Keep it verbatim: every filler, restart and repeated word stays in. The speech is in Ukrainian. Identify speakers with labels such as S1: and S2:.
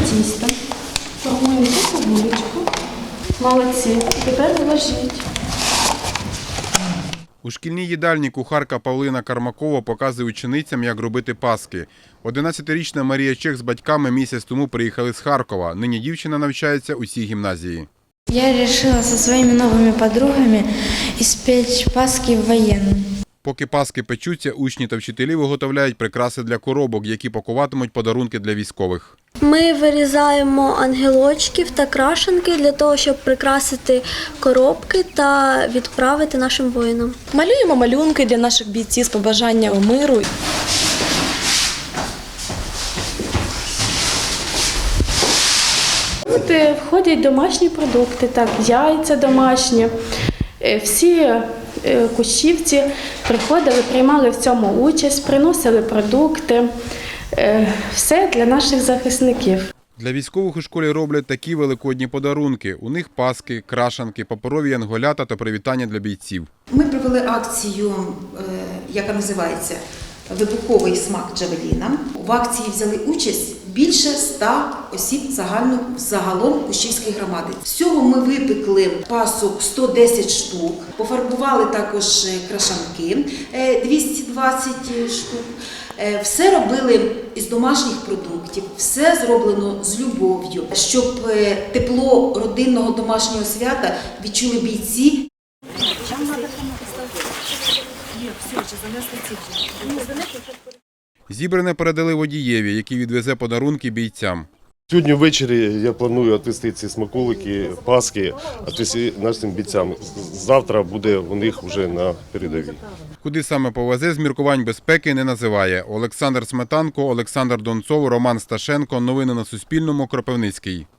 S1: тісто. Формуємо цибулечку. Молодці. Тепер вложіть.
S2: У шкільній їдальні кухарка Павлина Кармакова показує ученицям, як робити паски. одинадцятирічна Марія Чех з батьками місяць тому приїхали з Харкова. Нині дівчина навчається у цій гімназії.
S3: Я вирішила зі своїми новими подругами іспечь паски в воєнну.
S2: Поки паски печуться, учні та вчителі виготовляють прикраси для коробок, які пакуватимуть подарунки для військових.
S4: Ми вирізаємо ангелочків та крашенки для того, щоб прикрасити коробки та відправити нашим воїнам.
S1: Малюємо малюнки для наших бійців з побажанням миру. Тут входять домашні продукти, так, яйця домашні. Всі кущівці приходили, приймали в цьому участь, приносили продукти. Все для наших захисників.
S2: Для військових у школі роблять такі великодні подарунки. У них паски, крашанки, паперові янголята та привітання для бійців.
S5: Ми провели акцію, яка називається «Вибуховий смак Джавеліна». В акції взяли участь більше ста осіб загально, загалом Кущівської громади. Всього ми випекли пасок сто десять штук, пофарбували також крашанки двісті двадцять штук. Все робили із домашніх продуктів, все зроблено з любов'ю, щоб тепло родинного домашнього свята відчули бійці.
S2: Зібране передали водієві, який відвезе подарунки бійцям.
S6: Сьогодні ввечері я планую відвести ці смаколики, паски відвести нашим бійцям. Завтра буде у них вже на передовій.
S2: Куди саме повезе, з міркувань безпеки не називає. Олександр Сметанко, Олександр Донцов, Роман Сташенко. Новини на Суспільному. Кропивницький.